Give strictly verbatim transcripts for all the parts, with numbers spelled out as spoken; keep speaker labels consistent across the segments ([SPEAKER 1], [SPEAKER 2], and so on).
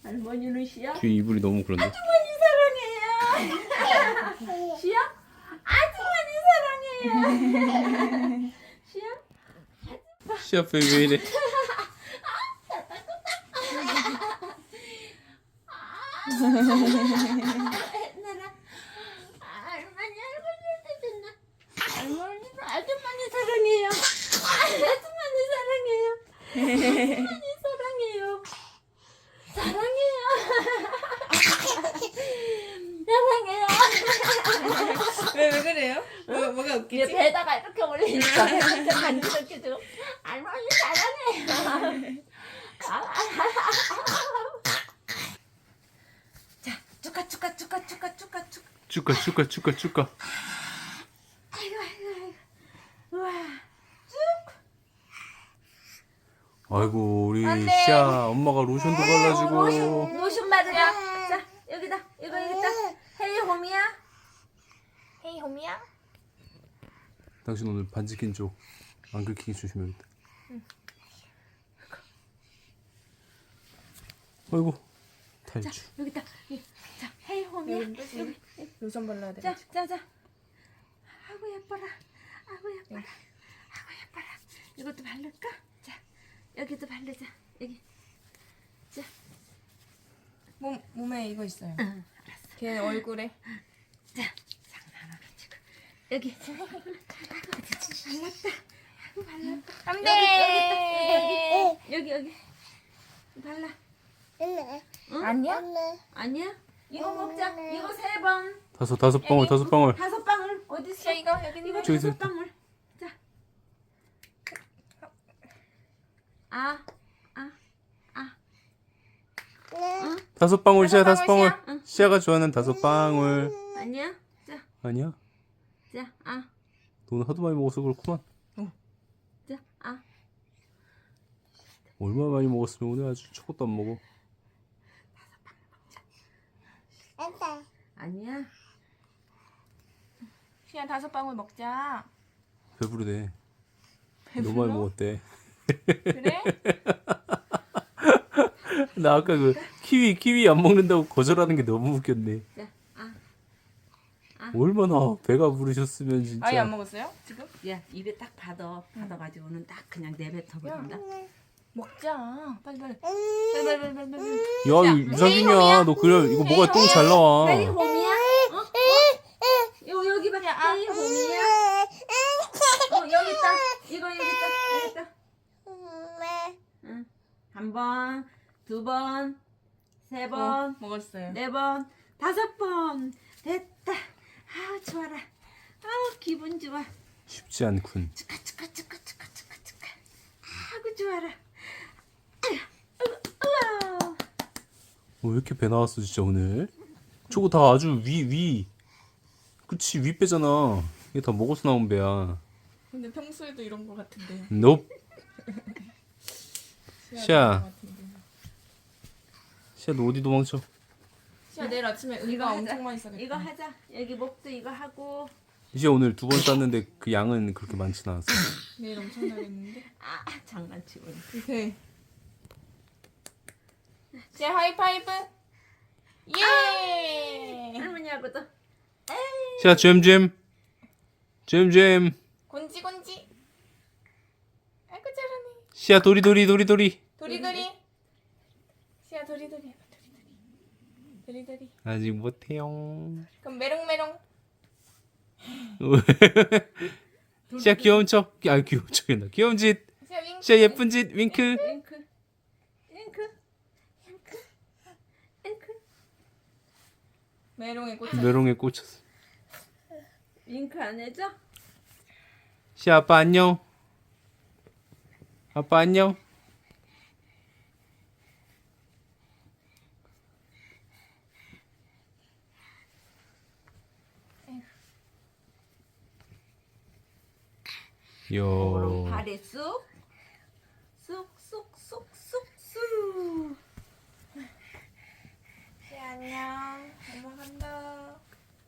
[SPEAKER 1] 할머니는 시야?
[SPEAKER 2] 뒤에 이불이 너무 그런데.
[SPEAKER 1] 아주머니 사랑해요. 시야? 아주머니 사랑해요. 시야?
[SPEAKER 2] 시 앞에 왜 이래?
[SPEAKER 1] 나랑 할머니 할머니한테 줬나? 할머니는 아주머니 사랑해요. 아주머니 사랑해요. 아주머니 사랑해요. 사랑해요. 사랑해요.
[SPEAKER 3] 왜, 왜 그래요? 뭐, 뭐가
[SPEAKER 1] 이제
[SPEAKER 3] 웃기지?
[SPEAKER 1] 배에다가 이렇게 올리니까 배한테 간지럽게 좀 할머니 사랑해요. 자, 축하 축하 축하 축하 축하 축하.
[SPEAKER 2] 축가 축가 축가 축가.
[SPEAKER 1] 아이고 아이고 아이고. 우와.
[SPEAKER 2] 아이고 우리
[SPEAKER 3] 안 돼.
[SPEAKER 2] 시아 엄마가 로션도 발라주고.
[SPEAKER 1] 로션 로션 바르자. 자, 여기다. 이거 여기다. 헤이 홈이야.
[SPEAKER 3] 헤이 홈이야?
[SPEAKER 2] 당신 오늘 반지 낀 쪽 안 긁히게 조심해야겠다. 아이고 탈주.
[SPEAKER 1] 여기다. 이, 자, 헤이 홈이야.
[SPEAKER 3] 여기
[SPEAKER 1] 여기.
[SPEAKER 3] 로션 발라야 돼.
[SPEAKER 1] 자, 자, 자. 아이고 예뻐라. 아이고 예뻐라. 아이고 예뻐라. 이것도 바를까? 자, 여기도 바르자. 여기. 자,
[SPEAKER 3] 몸, 몸에 이거 있어요.
[SPEAKER 1] 응, 알았어.
[SPEAKER 3] 걔 얼굴에.
[SPEAKER 1] 자, 장난하고 지금. 여기. 발랐다. 아이고 발랐다.
[SPEAKER 3] 안
[SPEAKER 1] 여기,
[SPEAKER 3] 돼!
[SPEAKER 1] 여기, 여기. 발라. 응?
[SPEAKER 3] 아니야?
[SPEAKER 1] 아니야? 이거 먹자. 이거 세 번.
[SPEAKER 2] 다섯 다섯 방울 다섯 방울.
[SPEAKER 1] 다섯 방울. 어디 있어?
[SPEAKER 3] 자, 이거 여기 있는
[SPEAKER 1] 이거
[SPEAKER 3] 거.
[SPEAKER 2] 저기
[SPEAKER 1] 다섯
[SPEAKER 2] 있어.
[SPEAKER 1] 방울. 자. 아, 아, 아. 응?
[SPEAKER 2] 다섯 방울 시아
[SPEAKER 3] 다섯
[SPEAKER 2] 다섯 방울.
[SPEAKER 3] 방울,
[SPEAKER 1] 시아. 응.
[SPEAKER 2] 시아가 좋아하는 다섯 방울.
[SPEAKER 1] 아니야? 자,
[SPEAKER 2] 아니야?
[SPEAKER 1] 자, 아,
[SPEAKER 2] 너 오늘 하도 많이 먹어서 그렇구만.
[SPEAKER 1] 자, 아.
[SPEAKER 2] 얼마나 많이 먹었으면 오늘 아주 저것도 안 먹어.
[SPEAKER 1] 아니야?
[SPEAKER 3] 시아 다섯 방울 먹자.
[SPEAKER 2] 배부르대. 너무 많이 먹었대.
[SPEAKER 3] 그래?
[SPEAKER 2] 나 아까 그 키위 키위 안 먹는다고 거절하는 게 너무 웃겼네.
[SPEAKER 1] 자, 아.
[SPEAKER 2] 얼마나 배가 부르셨으면 진짜.
[SPEAKER 3] 아예 안 먹었어요? 지금?
[SPEAKER 1] 야, 입에 딱 받아. 받아가지고는 딱 그냥 내뱉어 버린다.
[SPEAKER 3] 먹자. 빨리 빨리. 빨리 빨리 빨리 빨리. 빨리.
[SPEAKER 2] 야 유산균이야. 너 그래 이거 뭐가 똥 잘 나와.
[SPEAKER 1] 헤이 홈이야? 어? 어? 요 여기 봐. 헤이 홈이야? 어, 여기 있다. 이거 여기 있다. 여기 있다. 응. 한 번, 두 번, 세 번,
[SPEAKER 3] 어, 먹었어요.
[SPEAKER 1] 네 번, 다섯 번. 됐다. 아, 좋아라. 아, 기분 좋아.
[SPEAKER 2] 쉽지 않군.
[SPEAKER 1] 축하 축하 축하 축하 축하 축하. 아이고 좋아라. 아야, 아이고, 우와.
[SPEAKER 2] 어, 왜 이렇게 배 나왔어 진짜 오늘? 저거 다 아주 위 위. 그치 위 빼잖아. 이게 다 먹어서 나온 배야.
[SPEAKER 3] 근데 평소에도 이런 거 같은데.
[SPEAKER 2] 넵.
[SPEAKER 3] 시아.
[SPEAKER 2] 시아.
[SPEAKER 3] 이런 거 같은데.
[SPEAKER 2] 시아 너 어디 도망쳐?
[SPEAKER 3] 시아 내일 아침에
[SPEAKER 1] 이거
[SPEAKER 3] 의가
[SPEAKER 1] 하자.
[SPEAKER 3] 엄청 많이 싸겠다.
[SPEAKER 1] 이거 하자. 여기 목도 이거 하고.
[SPEAKER 2] 이제 오늘 두 번 쌌는데 그 양은 그렇게 많진 않았어.
[SPEAKER 3] 내일 엄청 나겠는데.
[SPEAKER 1] 아, 장난치고.
[SPEAKER 3] 이제. 시아 하이파이브. 예.
[SPEAKER 1] 할머니하고도.
[SPEAKER 2] 시아 잼잼. 잼잼.
[SPEAKER 3] 곤지 곤지. 아이고 잘하네.
[SPEAKER 2] 시아 도리도리 도리도리.
[SPEAKER 3] 도리도리. 시아 도리도리 해봐 도리도리. 도리도리.
[SPEAKER 2] 아직 못해요.
[SPEAKER 3] 그럼 메롱메롱.
[SPEAKER 2] 시아 귀여운 척. 아 귀여운 척이나. 귀여운 짓.
[SPEAKER 3] 시아 윙크.
[SPEAKER 2] 시아 예쁜 짓. 윙크.
[SPEAKER 1] 잉크. 잉크. 잉크. 잉크.
[SPEAKER 3] 메롱에 꽂혀.
[SPEAKER 2] 메롱에 꽂혔어.
[SPEAKER 1] 잉크 안 해줘?
[SPEAKER 2] 시아 아빠 안녕. 아빠 안녕. 요.
[SPEAKER 1] 발에 쑥. 쑥, 쑥, 쑥, 쑥, 쑥.
[SPEAKER 3] 시아 안녕. 엄마 간다.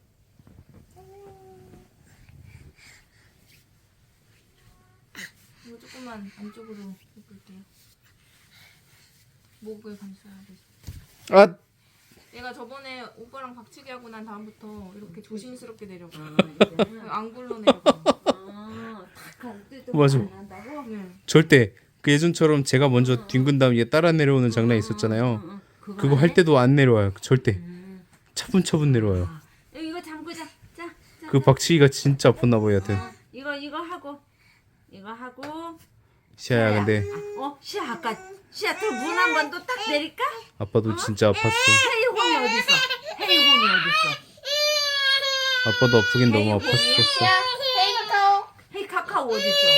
[SPEAKER 3] 이거 조금만 안쪽으로 해볼게요. 목을 감싸야 돼.
[SPEAKER 2] 아,
[SPEAKER 3] 얘가 저번에 오빠랑 박치기 하고 난 다음부터 이렇게 조심스럽게 내려가.
[SPEAKER 1] 아, 이제.
[SPEAKER 3] 안 굴러 내려가.
[SPEAKER 1] 아, 탁할 때도
[SPEAKER 2] 맞아.
[SPEAKER 1] 안 한다고?
[SPEAKER 3] 네.
[SPEAKER 2] 절대 그 예전처럼 제가 먼저 뒹군 다음 얘 따라 내려오는 장난이 있었잖아요.
[SPEAKER 1] 응, 응.
[SPEAKER 2] 그거 할 때도 안 내려와요. 절대.
[SPEAKER 1] 음.
[SPEAKER 2] 차분차분 내려와요.
[SPEAKER 1] 아, 이거 잠그자. 자, 자.
[SPEAKER 2] 그 박치기가 진짜 아팠나 봐요. 여하튼
[SPEAKER 1] 어, 이거 이거 하고 이거 하고.
[SPEAKER 2] 시아야 근데
[SPEAKER 1] 아, 어, 시아 아까 시아 문 한 번 또 딱 내릴까?
[SPEAKER 2] 아빠도 진짜 아팠어.
[SPEAKER 1] 헤이홈이 어디 있어? 헤이홈이 어디 있어?
[SPEAKER 2] 아빠도 아프긴 너무
[SPEAKER 1] 헤이홈이?
[SPEAKER 2] 아팠었어.
[SPEAKER 3] 헤이 카카오.
[SPEAKER 1] 헤이 카카오 어디 있어?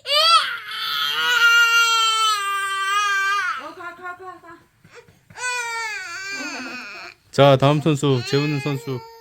[SPEAKER 1] 어, 가, 가, 가, 가.
[SPEAKER 2] 자 다음 선수 재우는 선수.